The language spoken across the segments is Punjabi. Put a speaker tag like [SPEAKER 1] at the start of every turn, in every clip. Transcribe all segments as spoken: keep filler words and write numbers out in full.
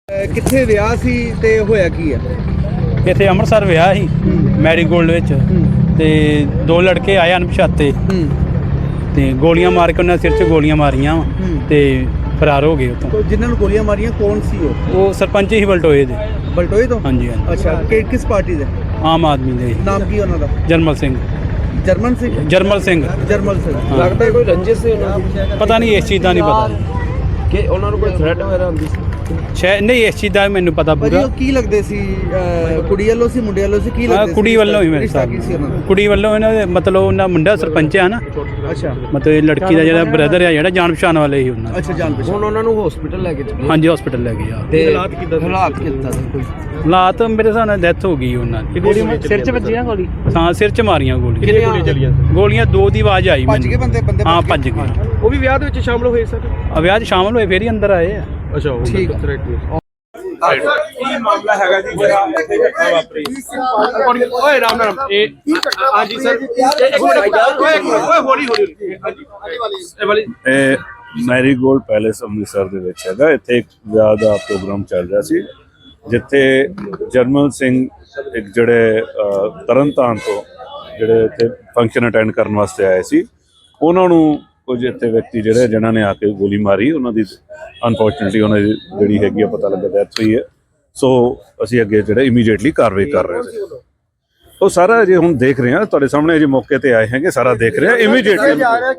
[SPEAKER 1] ਕਿੱਥੇ ਵਿਆਹ ਸੀ ਤੇ ਹੋਇਆ ਕੀ ਆ?
[SPEAKER 2] ਇੱਥੇ ਅੰਮ੍ਰਿਤਸਰ ਵਿਆਹ ਸੀ ਮੈਰੀਗੋਲਡ ਵਿੱਚ ਤੇ ਦੋ ਲੜਕੇ ਆਏ ਅਣਪਛਾਤੇ ਤੇ ਗੋਲੀਆਂ ਮਾਰ ਕੇ ਉਹਨਾਂ ਸਿਰ 'ਚ ਗੋਲੀਆਂ ਮਾਰੀਆਂ ਤੇ ਫਰਾਰ ਹੋ ਗਏ ਉੱਥੋਂ।
[SPEAKER 1] ਜਿਨ੍ਹਾਂ ਨੂੰ ਗੋਲੀਆਂ ਮਾਰੀਆਂ ਕੌਣ ਸੀ ਉਹ?
[SPEAKER 2] ਉਹ ਸਰਪੰਚ ਹੀ ਬਲਟੋਏ ਦੇ।
[SPEAKER 1] ਬਲਟੋਏ ਤੋਂ?
[SPEAKER 2] ਹਾਂਜੀ ਹਾਂਜੀ।
[SPEAKER 1] ਅੱਛਾ, ਕਿ ਕਿਸ ਪਾਰਟੀ ਦੇ?
[SPEAKER 2] ਆਮ ਆਦਮੀ ਦੇ।
[SPEAKER 1] ਨਾਮ ਕੀ ਉਹਨਾਂ ਦਾ?
[SPEAKER 2] ਜਰਮਲ ਸਿੰਘ।
[SPEAKER 1] ਜਰਮਨ ਸਿੰਘ?
[SPEAKER 2] ਜਰਮਲ ਸਿੰਘ।
[SPEAKER 1] ਜਰਮਲ ਸਿੰਘ।
[SPEAKER 3] ਲੱਗਦਾ ਕੋਈ ਰੰਜਿਸ਼ ਸੀ ਉਹਨਾਂ ਦੀ?
[SPEAKER 2] ਪਤਾ ਨਹੀਂ, ਇਸ ਚੀਜ਼ ਦਾ ਨਹੀਂ ਪਤਾ
[SPEAKER 3] ਕਿ ਉਹਨਾਂ ਨੂੰ ਕੋਈ ਥ੍ਰੈਟ ਵਗੈਰਾ ਹੁੰਦੀ ਸੀ?
[SPEAKER 2] ਸ਼ਾਇਦ ਨਹੀਂ, ਇਸ ਚੀਜ਼ ਦਾ ਮੈਨੂੰ ਪਤਾ
[SPEAKER 1] ਭਾਜੀ
[SPEAKER 2] ਪੂਰਾ।
[SPEAKER 1] ਉਹ ਕੀ ਲੱਗਦੇ ਸੀ? ਕੁੜੀ ਵੱਲੋਂ ਸੀ ਮੁੰਡੇ ਵੱਲੋਂ ਸੀ? ਕੀ ਲੱਗਦੇ ਸੀ?
[SPEAKER 2] ਕੁੜੀ ਵੱਲੋਂ ਹੀ ਮੇਰੇ
[SPEAKER 1] ਰਿਸ਼ਤਾ
[SPEAKER 2] ਸਾਹਿਬ
[SPEAKER 1] ਕੀ ਸੀ ਉਹਨਾਂ ਦਾ?
[SPEAKER 2] ਕੁੜੀ ਵੱਲੋਂ ਇਹਨਾਂ ਦੇ ਮਤਲਬ ਉਹਨਾਂ ਮੁੰਡਾ ਸਰਪੰਚ ਆ ਨਾ।
[SPEAKER 1] ਅੱਛਾ
[SPEAKER 2] ਮਤਲਬ ਇਹ ਲੜਕੀ ਦਾ ਜਿਹੜਾ ਬ੍ਰਦਰ ਆ ਜਿਹੜਾ ਜਾਣ ਪਛਾਣ ਵਾਲੇ ਹੀ ਉਹਨਾਂ ਦੇ।
[SPEAKER 1] ਅੱਛਾ, ਜਾਣ ਪਛਾਣ।
[SPEAKER 3] ਹੁਣ ਉਹਨਾਂ ਨੂੰ ਹਸਪੀਟਲ ਲੈ ਕੇ ਚੱਲੇ?
[SPEAKER 2] ਹਾਂਜੀ, ਹਸਪੀਟਲ ਲੈ ਗਏ ਆ।
[SPEAKER 3] ਤੇ ਹਾਲਾਤ ਕਿੱਦਾਂ? ਹਾਲਾਤ ਕਿੱਦਾਂ ਸੀ ਕੋਈ?
[SPEAKER 2] ਹਾਲਾਤ ਮੇਰੇ ਹਿਸਾਬ ਨਾਲ ਡੈਥ ਹੋ ਗਈ ਉਹਨਾਂ ਦੀ।
[SPEAKER 3] ਸਿਰ 'ਚ ਵੱਜੀ ਨਾ ਗੋਲੀ?
[SPEAKER 2] ਹਾਂ, ਸਿਰ 'ਚ ਮਾਰੀਆਂ ਗੋਲੀਆਂ।
[SPEAKER 3] ਕਿੰਨੀਆਂ ਗੋਲੀਆਂ ਚੱਲੀਆਂ?
[SPEAKER 2] ਗੋਲੀਆਂ ਦੋ ਦੀ ਆਵਾਜ਼ ਆਈ
[SPEAKER 1] ਭੱਜ ਗਏ ਬੰਦੇ? ਬੰਦੇ
[SPEAKER 2] ਹਾਂ, ਭੱਜ ਗਏ।
[SPEAKER 3] ਉਹ ਵੀ ਵਿਆਹ ਦੇ ਵਿੱਚ ਸ਼ਾਮਲ ਹੋਏ ਸਰ?
[SPEAKER 2] ਆ ਵਿਆਹ 'ਚ ਸ਼ਾਮਲ ਹੋਏ, ਫੇਰ ਹੀ ਅੰਦਰ ਆਏ ਆ।
[SPEAKER 3] ਅੱਛਾ, ਉਹ
[SPEAKER 1] ਠੀਕ ਆ।
[SPEAKER 3] ਕੀ ਮਾਮਲਾ ਹੈਗਾ ਜੀ ਜਿਹੜਾ ਇੱਥੇ ਘਟਨਾ ਵਾਪਰੀ? ਓਏ ਰਾਮ ਰਾਮ। ਇਹ ਹਾਂਜੀ ਸਰ, ਇੱਕ ਮਿੰਟ ਓਏ ਓਏ ਹੌਲੀ ਹੌਲੀ। ਹਾਂਜੀ ਇਹ ਵਾਲੀ
[SPEAKER 4] ਇਹ ਮੈਰੀਗੋਲਡ ਪੈਲੇਸ ਅੰਮ੍ਰਿਤਸਰ ਦੇ ਵਿੱਚ ਹੈਗਾ। ਇੱਥੇ ਇੱਕ ਵਿਆਹ ਦਾ ਪ੍ਰੋਗਰਾਮ ਚੱਲ ਰਿਹਾ ਸੀ ਜਿੱਥੇ ਜਰਮਲ ਸਿੰਘ ਇੱਕ ਜਿਹੜੇ ਤਰਨਤਾਰਨ ਤੋਂ ਜਿਹੜੇ ਇੱਥੇ ਫੰਕਸ਼ਨ ਅਟੈਂਡ ਕਰਨ ਵਾਸਤੇ ਆਏ ਸੀ, ਉਹਨਾਂ ਨੂੰ ਕੁਝ ਇੱਥੇ ਵਿਅਕਤੀ ਜਿਹੜੇ ਜਿਨ੍ਹਾਂ ਨੇ ਆ ਕੇ ਗੋਲੀ ਮਾਰੀ। ਉਹਨਾਂ ਦੀ ਅਨਫੋਰਚੂਨੇਟਲੀ ਉਹਨਾਂ ਦੀ ਜਿਹੜੀ ਹੈਗੀ ਆ ਪਤਾ ਲੱਗਾ ਡੈਥ ਹੋਈ ਹੈ। ਸੋ ਅਸੀਂ ਅੱਗੇ ਜਿਹੜੇ ਇਮੀਡੀਏਟਲੀ ਕਾਰਵਾਈ ਕਰ ਰਹੇ ਸੀ। ਉਹ ਸਾਰਾ ਜੇ ਹੁਣ ਦੇਖ ਰਹੇ ਹਾਂ, ਤੁਹਾਡੇ ਸਾਹਮਣੇ ਜੇ ਮੌਕੇ ਤੇ ਆਏ ਹੈਗੇ, ਸਾਰਾ ਦੇਖ ਰਹੇ ਹਾਂ ਇਮੀਡੀਏਟਲੀ।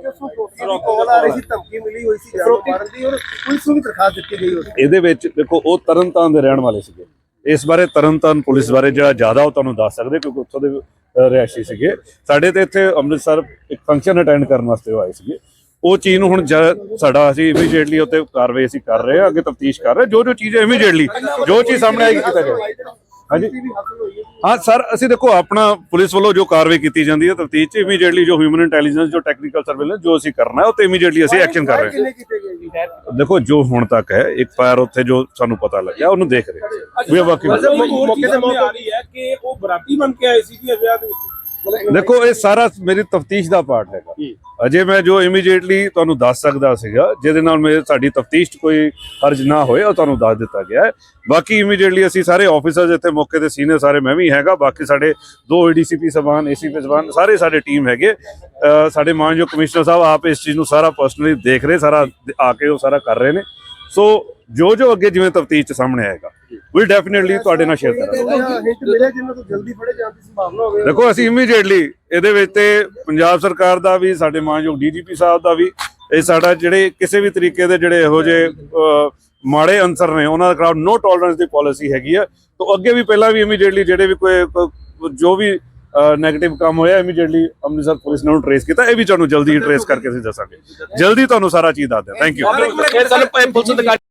[SPEAKER 4] ਇਹਦੇ ਵਿੱਚ ਦੇਖੋ ਉਹ ਤਰਨਤਾਰਨ ਦੇ ਰਹਿਣ ਵਾਲੇ ਸੀਗੇ। ਇਸ ਬਾਰੇ ਤਰਨਤਾਰਨ ਪੁਲਿਸ ਬਾਰੇ ਜਿਹੜਾ ਜ਼ਿਆਦਾ ਉਹ ਤੁਹਾਨੂੰ ਦੱਸ ਸਕਦੇ ਕਿਉਂਕਿ ਉੱਥੋਂ ਦੇ ਰਿਹਾਇਸ਼ੀ ਸੀਗੇ। ਸਾਡੇ ਤੇ ਇੱਥੇ ਅੰਮ੍ਰਿਤਸਰ ਇੱਕ ਫੰਕਸ਼ਨ ਅਟੈਂਡ ਕਰਨ ਵਾਸਤੇ ਉਹ ਆਏ ਸੀਗੇ। ਉਹ ਚੀਜ਼ ਨੂੰ ਹੁਣ ਸਾਡਾ ਅਸੀਂ ਇਮੀਡੀਏਟਲੀ ਉੱਤੇ ਕਾਰਵਾਈ ਅਸੀਂ ਕਰ ਰਹੇ ਹਾਂ, ਅੱਗੇ ਤਫਤੀਸ਼ ਕਰ ਰਹੇ। ਜੋ ਜੋ ਚੀਜ਼ ਇਮੀਡੀਏਟਲੀ ਜੋ ਚੀਜ਼ ਸਾਹਮਣੇ ਆਏਗੀ ਕੀਤਾ ਜਾਏ। ਹਾਂਜੀ ਹਾਂ ਸਰ, ਅਸੀਂ ਦੇਖੋ ਆਪਣਾ ਪੁਲਿਸ ਵੱਲੋਂ ਜੋ ਕਾਰਵਾਈ ਕੀਤੀ ਜਾਂਦੀ ਹੈ ਤਫਤੀਸ਼ 'ਚ ਇਮੀਡੀਏਟਲੀ ਜੋ ਹਿਊਮਨ ਇੰਟੈਲੀਜੈਂਸ ਜੋ ਟੈਕਨੀਕਲ ਸਰਵੇਲੈਂਸ ਜੋ ਅਸੀਂ ਕਰਨਾ ਹੈ ਉਹ ਤੇ ਇਮੀਡੀਏਟਲੀ ਅਸੀਂ ਐਕਸ਼ਨ ਕਰ ਰਹੇ ਹਾਂ। ਦੇਖੋ ਜੋ ਹੁਣ ਤੱਕ ਹੈ ਇੱਕ ਫਾਇਰ ਉੱਥੇ ਜੋ ਸਾਨੂੰ ਪਤਾ ਲੱਗਿਆ ਉਹਨੂੰ ਦੇਖ ਰਹੇ ਵੀ ਬਾਕੀ
[SPEAKER 3] ਮੌਕੇ ਤੇ ਮੌਕੇ ਆ ਰਹੀ ਹੈ ਕਿ ਉਹ ਬਰਾਤੀ ਬਣ ਕੇ ਆਏ ਸੀ ਜੀ ਵਿਆਹ ਦੇ ਵਿੱਚ।
[SPEAKER 4] ਦੇਖੋ ਇਹ ਸਾਰਾ ਮੇਰੀ ਤਫਤੀਸ਼ ਦਾ ਪਾਰਟ ਹੈਗਾ। ਅਜੇ ਮੈਂ ਜੋ ਇਮੀਡੀਏਟਲੀ ਤੁਹਾਨੂੰ ਦੱਸ ਸਕਦਾ ਸੀਗਾ ਜਿਹਦੇ ਨਾਲ ਮੇਰੇ ਸਾਡੀ ਤਫਤੀਸ਼ 'ਚ ਕੋਈ ਹਰਜ ਨਾ ਹੋਏ ਉਹ ਤੁਹਾਨੂੰ ਦੱਸ ਦਿੱਤਾ ਗਿਆ ਹੈ। ਬਾਕੀ ਇਮੀਡੀਏਟਲੀ ਅਸੀਂ ਸਾਰੇ ਆਫੀਸਰਸ ਇੱਥੇ ਮੌਕੇ ਤੇ ਸੀਨੀਅਰ ਸਾਰੇ ਮੈਂ ਵੀ ਹੈਗਾ, ਬਾਕੀ ਸਾਡੇ ਦੋ ਏਡੀਸੀਪੀ ਸਬਾਨ ਏਸੀਪੀ ਸਬਾਨ ਸਾਰੇ ਸਾਡੇ ਟੀਮ ਹੈਗੇ। ਸਾਡੇ ਮਾਨਯੋਗ ਕਮਿਸ਼ਨਰ ਸਾਹਿਬ ਆਪ ਇਸ ਚੀਜ਼ ਨੂੰ ਸਾਰਾ ਪਰਸਨਲੀ ਦੇਖ ਰਹੇ, ਸਾਰਾ ਆ ਕੇ ਉਹ ਸਾਰਾ ਕਰ ਰਹੇ ਨੇ। ਸੋ ਜੋ ਜੋ ਅੱਗੇ ਜਿਵੇਂ ਤਫਤੀਸ਼ 'ਚ ਸਾਹਮਣੇ ਆਏਗਾ ਵੀ ਡੈਫੀਨੇਟਲੀ ਤੁਹਾਡੇ ਨਾਲ ਸ਼ੇਅਰ ਕਰਾਂਗੇ। ਦੇਖੋ ਅਸੀਂ ਇਮੀਡੀਏਟਲੀ ਇਹਦੇ ਵਿੱਚ ਤੇ ਪੰਜਾਬ ਸਰਕਾਰ ਦਾ ਵੀ, ਸਾਡੇ ਮਾਨਯੋਗ ਡੀਜੀਪੀ ਸਾਹਿਬ ਦਾ ਵੀ, ਇਹ ਸਾਡਾ ਜਿਹੜੇ ਕਿਸੇ ਵੀ ਤਰੀਕੇ ਦੇ ਜਿਹੜੇ ਇਹੋ ਜਿਹੇ ਮਾੜੇ ਅਨਸਰ ਨੇ ਉਹਨਾਂ ਦੇ ਖਿਲਾਫ ਨੋ ਟੋਲਰੈਂਸ ਦੀ ਪਾਲਿਸੀ ਹੈਗੀ ਆ। ਤਾਂ ਅੱਗੇ ਵੀ ਪਹਿਲਾਂ ਵੀ ਇਮੀਡੀਏਟਲੀ ਜਿਹੜੇ ਵੀ ਕੋਈ ਜੋ ਵੀ ਨੈਗੇਟਿਵ ਕੰਮ ਹੋਇਆ ਇਮੀਡੀਏਟਲੀ ਅੰਮ੍ਰਿਤਸਰ ਪੁਲਿਸ ਨੇ ਉਹਨੂੰ ਟ੍ਰੇਸ ਕੀਤਾ। ਇਹ ਵੀ ਤੁਹਾਨੂੰ ਜਲਦੀ ਟ੍ਰੇਸ ਕਰਕੇ ਅਸੀਂ ਦੱਸਾਂਗੇ, ਜਲਦੀ ਤੁਹਾਨੂੰ ਸਾਰਾ ਚੀਜ਼ ਦੱਸ ਦਿਆਂ। Thank you.